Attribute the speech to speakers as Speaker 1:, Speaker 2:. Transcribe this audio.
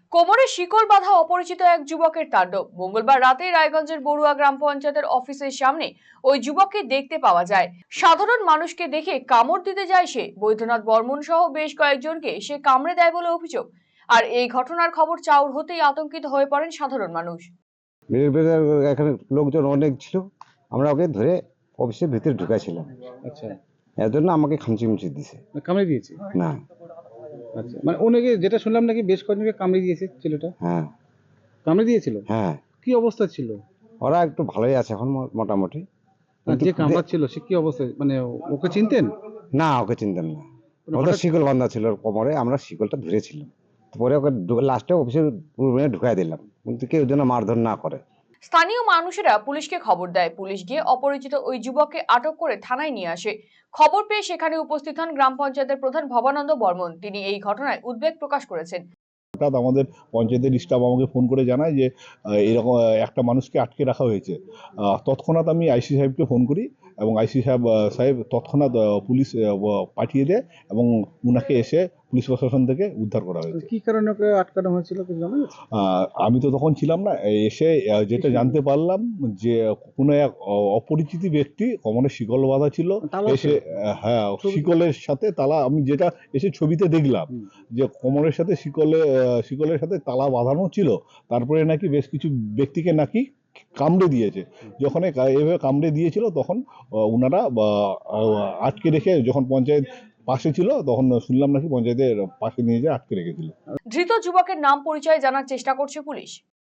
Speaker 1: কোমরে শিকল বাঁধা অপরিচিত এক যুবকের তাণ্ডব। মঙ্গলবার রাতে রায়গঞ্জের বড়ুয়া গ্রাম পঞ্চায়েতের অফিসের সামনে ওই যুবককে দেখতে পাওয়া যায়। সাধারণ মানুষকে দেখে কামড় দিতে যায় সে। বৈদ্যনাথ বর্মন সহ বেশ কয়েকজনকে সে কামড়ে দেয় বলে অভিযোগ। আর এই ঘটনার খবর চাউর হতেই আতঙ্কিত হয়ে পড়েন সাধারণ মানুষ।
Speaker 2: এখানে লোকজন অনেক ছিল, আমরা ওকে ধরে অফিসের ভিতরে ঢুকাইছিলাম।
Speaker 3: আচ্ছা,
Speaker 2: এর জন্য আমাকে খামচি মুচি দিছে।
Speaker 3: কামড়ে দিয়েছে?
Speaker 2: না।
Speaker 3: আচ্ছা, মানে অনেকে যেটা শুনলাম নাকি বেশ কয়েকজনকে কামড়ে দিয়েছে ছেলেটা।
Speaker 2: হ্যাঁ
Speaker 3: কামড়ে দিয়েছিল?
Speaker 2: হ্যাঁ,
Speaker 3: কি অবস্থা ছিল?
Speaker 2: ওরা একটু ভালোই আছে এখন মোটামুটি।
Speaker 3: আর যে কামড়াচ্ছিল সে কি অবস্থায়, মানে ওকে চিনতেন?
Speaker 2: না, ওকে চিনতেন না।
Speaker 3: মানে
Speaker 2: ওদের
Speaker 3: হঠাৎ-
Speaker 2: শিকল বাঁধা ছিল ওর কোমরে, আমরা শিকলটা ধরেছিলাম। পরে ওকে লাস্টে অফিসের রুমে ঢুকাই দিলাম, কিন্তু কেউ যেন মারধর না করে।
Speaker 1: স্থানীয় মানুষেরা পুলিশকে খবর দেয়। পুলিশ গিয়ে অপরিচিত ওই যুবককে আটক করে থানায় নিয়ে আসে। খবর পেয়ে সেখানে উপস্থিত হন গ্রাম পঞ্চায়েতের প্রধান ভবানন্দ বর্মন। তিনি এই ঘটনায় উদ্বেগ প্রকাশ করেছেন।
Speaker 4: হঠাৎ আমাদের পঞ্চায়েতের স্টাফ আমাকে ফোন করে জানায় যে এরকম একটা মানুষকে আটকে রাখা হয়েছে। তৎক্ষণাৎ আমি আইসি সাহেবকে ফোন করি এবং আইসি সাহেব তৎক্ষণাৎ পুলিশ পাঠিয়ে দেয় এবং উনাকে এসে পুলিশ প্রশাসন থেকে উদ্ধার করা হয়েছে।
Speaker 3: কি কারণে ওকে আটকানো হয়েছিল কিছু জানা গেছে?
Speaker 4: আমি তো তখন ছিলাম না, এসে যেটা জানতে পারলাম যে কোনো এক অপরিচিত ব্যক্তি কোমরে শিকল বাঁধা ছিল।
Speaker 3: তালা
Speaker 4: এসে
Speaker 3: ছিল?
Speaker 4: হ্যাঁ, শিকলের সাথে তালা, আমি যেটা এসে ছবিতে দেখলাম যে কোমরের সাথে শিকলের সাথে তালা বাঁধানো ছিল। তারপরে নাকি বেশ কিছু ব্যক্তিকে নাকি কামড়ে দিয়েছে। যখন এভাবে কামড়ে দিয়েছিল তখন ওনারা আটকে রেখে, যখন পঞ্চায়েত পাশে ছিল তখন শুনলাম নাকি পঞ্চায়েতের পাশে নিয়ে যেয়ে আটকে রেখেছিল।
Speaker 1: ধৃত যুবকের নাম পরিচয় জানার চেষ্টা করছে পুলিশ।